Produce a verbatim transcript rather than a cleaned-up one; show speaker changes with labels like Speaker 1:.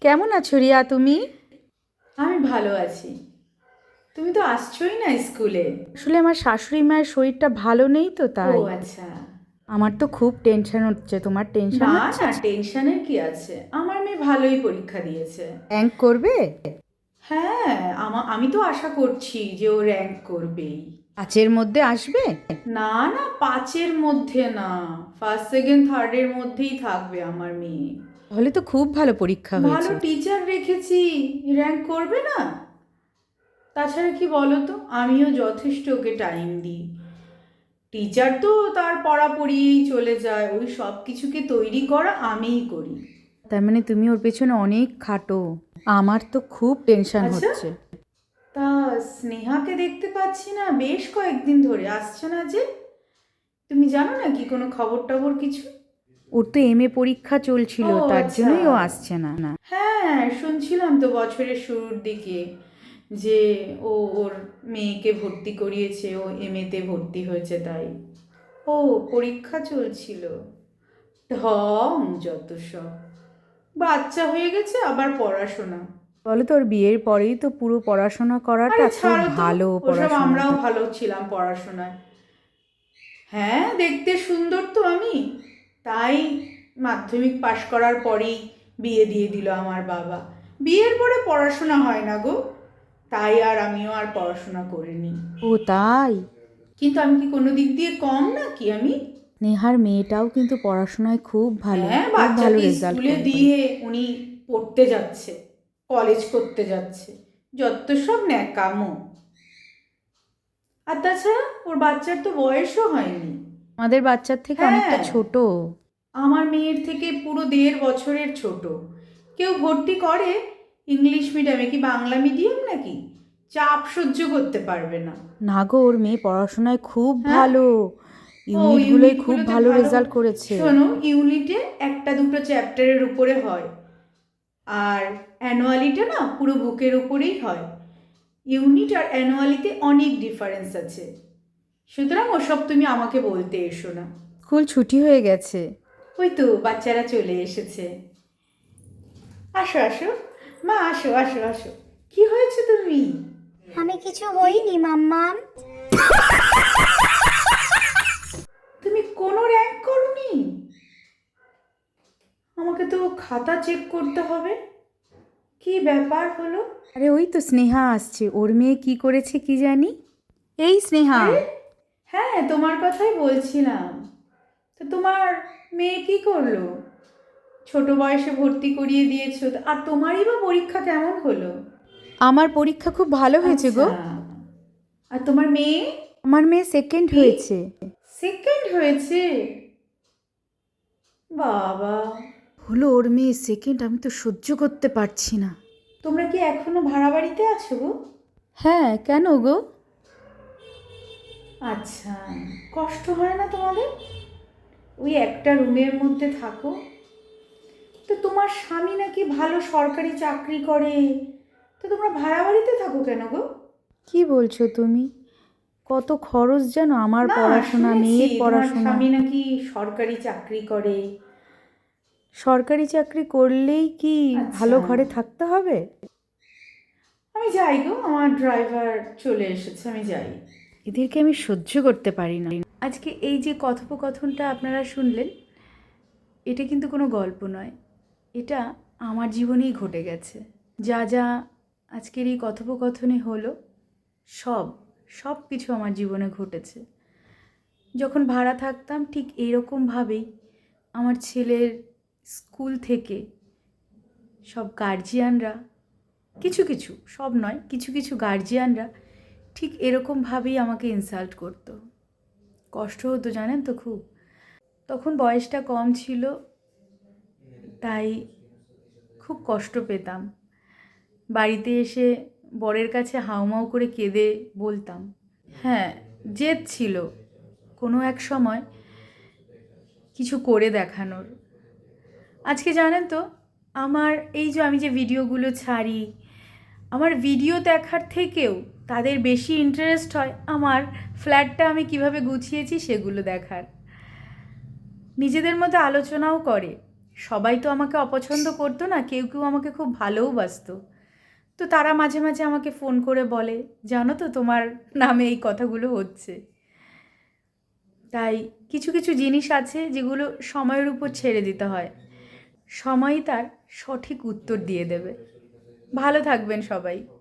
Speaker 1: কেমন আছো রিয়া তুমি?
Speaker 2: আমি ভালো আছি। তুমি তো আসছোই না স্কুলে।
Speaker 1: আসলে আমার শাশুড়ি মায়ের শরীরটা ভালো নেই তো
Speaker 2: ও
Speaker 1: তাই।
Speaker 2: আচ্ছা।
Speaker 1: আমার তো খুব টেনশন হচ্ছে, তোমার টেনশন
Speaker 2: না
Speaker 1: হচ্ছে?
Speaker 2: না, টেনশনের কি আছে, আমার মেয়ে ভালোই পরীক্ষা দিয়েছে।
Speaker 1: র্যাঙ্ক করবে?
Speaker 2: হ্যাঁ, আমা আমি তো আশা করছি যে ও র্যাঙ্ক করবেই।
Speaker 1: পাঁচের মধ্যে আসবে?
Speaker 2: না না, পাঁচের মধ্যে না, ফার্স্ট সেকেন্ড থার্ডের মধ্যেই থাকবে আমার মেয়ে।
Speaker 1: তাহলে তো খুব ভালো পরীক্ষা
Speaker 2: ভালো
Speaker 1: হয়েছে।
Speaker 2: টিচার রেখেছি, র্যাঙ্ক করবে না? তাছাড়া কি বলো তো, আমিও যথেষ্ট ওকে টাইম দিই। টিচার তো তার পড়া পড়িয়েই চলে যায়, ওই সব কিছুকে তৈরি করা আমিই করি।
Speaker 1: তার মানে তুমি ওর পেছনে অনেক খাটো। আমার তো খুব টেনশন
Speaker 2: আচ্ছা,
Speaker 1: হচ্ছে।
Speaker 2: তা স্নেহাকে দেখতে পাচ্ছি না বেশ কয়েকদিন ধরে, আসছে না যে। তুমি জানো না কি কোনো খবর টবর কিছু?
Speaker 1: ওর তো এম এ পরীক্ষা চলছিল,
Speaker 2: ও
Speaker 1: তার
Speaker 2: আচ্ছা।
Speaker 1: জন্যই ও আসছে না না।
Speaker 2: হ্যাঁ, শুনছিলাম তো বছরের শুরুর দিকে যে ও ওর মেয়েকে ভর্তি করিয়েছে, ও এমএতে ভর্তি হয়েছে তাই। ও, পরীক্ষা চলছিল। ঢং যত সব, বাচ্চা হয়ে গেছে আবার পড়াশোনা।
Speaker 1: বলো তো, ওর বিয়ের পরেই তো পুরো পড়াশোনা করাটা
Speaker 2: আরে
Speaker 1: খুব
Speaker 2: ছাড়ো তো,
Speaker 1: ভালো
Speaker 2: ওসব আমরাও
Speaker 1: পড়াশোনাটা।
Speaker 2: ভালো ছিলাম পড়াশোনায়। হ্যাঁ, দেখতে সুন্দর তো আমি, তাই মাধ্যমিক পাশ করার পরেই বিয়ে দিয়ে দিল আমার বাবা। বিয়ের পরে পড়াশোনা হয় না গো, তাই আর আমিও আর পড়াশোনা করিনি।
Speaker 1: ও তাই?
Speaker 2: কিন্তু আমি কি কোনো দিক দিয়ে কম নাকি আমি?
Speaker 1: নেহার মেয়েটাও কিন্তু পড়াশোনায় খুব ভালো,
Speaker 2: হ্যাঁ,
Speaker 1: খুব ভালো
Speaker 2: বাচ্চাকে
Speaker 1: রেজাল্ট
Speaker 2: স্কুলে
Speaker 1: করে।
Speaker 2: দিয়ে উনি পড়তে যাচ্ছে, কলেজ করতে যাচ্ছে, যত সব ন্যাকামো। আর তাছাড়া ওর বাচ্চার তো বয়সও হয়নি।
Speaker 1: আমাদের বাচ্চার থেকে অনেকটা
Speaker 2: হ্যাঁ,
Speaker 1: ছোট।
Speaker 2: আমার মেয়ের থেকে পুরো দেড় বছরের ছোট। কেউ ভর্তি করে ইংলিশ মিডিয়ামে কি বাংলা মিডিয়াম নাকি, চাপ সহ্য করতে পারবে না।
Speaker 1: না গো, ওর মেয়ে পড়াশোনায় খুব
Speaker 2: হ্যাঁ,
Speaker 1: ভালো,
Speaker 2: ও
Speaker 1: ইউনিটগুলোয় খুব
Speaker 2: ইউনিটগুলোতে
Speaker 1: ভালো
Speaker 2: ভালো।
Speaker 1: রেজাল্ট করেছে।
Speaker 2: শোনো, ইউনিটে একটা দুটো চ্যাপ্টারের উপরে হয়, আর অ্যানুয়ালিটা না পুরো বুকের উপরেই হয়। ইউনিট আর অ্যানুয়ালিতে অনেক ডিফারেন্স আছে, সুতরাং ওসব তুমি আমাকে বলতে এসো না।
Speaker 1: স্কুল ছুটি হয়ে গেছে।
Speaker 2: ওই তো বাচ্চারা চলে এসেছে। আসো আসো, মা আসো আসো আসো। কি হয়েছে তুমি?
Speaker 3: আমি কিছু হইনি মাম্মাম।
Speaker 2: তুমি কোনো র্যাঙ্ক করনি? আমাকে তো খাতা চেক করতে হবে। কি ব্যাপার হলো?
Speaker 1: আরে ওই তো স্নেহা আসছে, ওর মেয়ে কি করেছে কি জানি। এই স্নেহা।
Speaker 2: আরে হ্যাঁ, তোমার কথাই বলছিলাম। তো তোমার মেয়ে কি করলো? ছোট বয়সে ভর্তি করিয়ে দিয়েছো, আর তোমারই বা পরীক্ষা কেমন হলো?
Speaker 1: আমার পরীক্ষা খুব ভালো হয়েছে
Speaker 2: আচ্ছা,
Speaker 1: গো।
Speaker 2: আর তোমার মেয়ে?
Speaker 1: আমার মেয়ে সেকেন্ড
Speaker 2: কি,
Speaker 1: হয়েছে।
Speaker 2: সেকেন্ড হয়েছে? বাবা,
Speaker 1: হলো ওর মেয়ে সেকেন্ড, আমি তো সহ্য করতে পারছি না।
Speaker 2: তোমরা কি এখনো ভাড়া বাড়িতে আছো গো?
Speaker 1: হ্যাঁ, কেন গো?
Speaker 2: আচ্ছা, কষ্ট হয় না তোমাদের ওই একটা রুমের মধ্যে থাকো? তো তোমার স্বামী নাকি ভালো সরকারি চাকরি করে, তো তোমরা ভাড়া বাড়িতে থাকো কেন গো?
Speaker 1: কি বলছো তুমি? কত খরচ জানো, আমার
Speaker 2: না,
Speaker 1: পড়াশোনা,
Speaker 2: শুনেছি
Speaker 1: মেয়ের
Speaker 2: তোমার
Speaker 1: পড়াশোনা।
Speaker 2: স্বামী নাকি সরকারি চাকরি করে।
Speaker 1: সরকারি চাকরি করলেই কি
Speaker 2: আচ্ছা,
Speaker 1: ভালো ঘরে থাকতে হবে?
Speaker 2: আমি যাই গো, আমার ড্রাইভার চলে এসেছে, আমি যাই।
Speaker 1: এদেরকে আমি সহ্য করতে পারি না। আজকে এই যে কথোপকথনটা আপনারা শুনলেন, এটা কিন্তু কোনো গল্প নয়, এটা আমার জীবনেই ঘটে গেছে। যা যা আজকের এই কথোপকথনে হলো, সব সব কিছু আমার জীবনে ঘটেছে। যখন ভাড়া থাকতাম ঠিক এইরকমভাবেই আমার ছেলের স্কুল থেকে সব গার্জিয়ানরা, কিছু কিছু, সব নয়, কিছু কিছু গার্জিয়ানরা ঠিক এরকমভাবেই আমাকে ইনসাল্ট করতো। কষ্ট হতো জানেন তো খুব। তখন বয়সটা কম ছিল, তাই খুব কষ্ট পেতাম। বাড়িতে এসে বরের কাছে হাউমাউ করে কেঁদে বলতাম। হ্যাঁ, জেদ ছিল কোনো এক সময় কিছু করে দেখানোর। আজকে জানেন তো, আমার এই যে আমি যে ভিডিওগুলো ছাড়ি, আমার ভিডিও দেখার থেকেও তাদের বেশি ইন্টারেস্ট হয় আমার ফ্ল্যাটটা আমি কিভাবে গুছিয়েছি সেগুলো দেখার। নিজেদের মধ্যে আলোচনাও করে, সবাই তো আমাকে অপছন্দ করতো না, কেউ কেউ আমাকে খুব ভালোও বাসতো। তো তারা মাঝে মাঝে আমাকে ফোন করে বলে, জানো তো তোমার নামে এই কথাগুলো হচ্ছে। তাই কিছু কিছু জিনিস আছে যেগুলো সময়ের উপর ছেড়ে দিতে হয়, সময়ই তার সঠিক উত্তর দিয়ে দেবে। ভালো থাকবেন সবাই।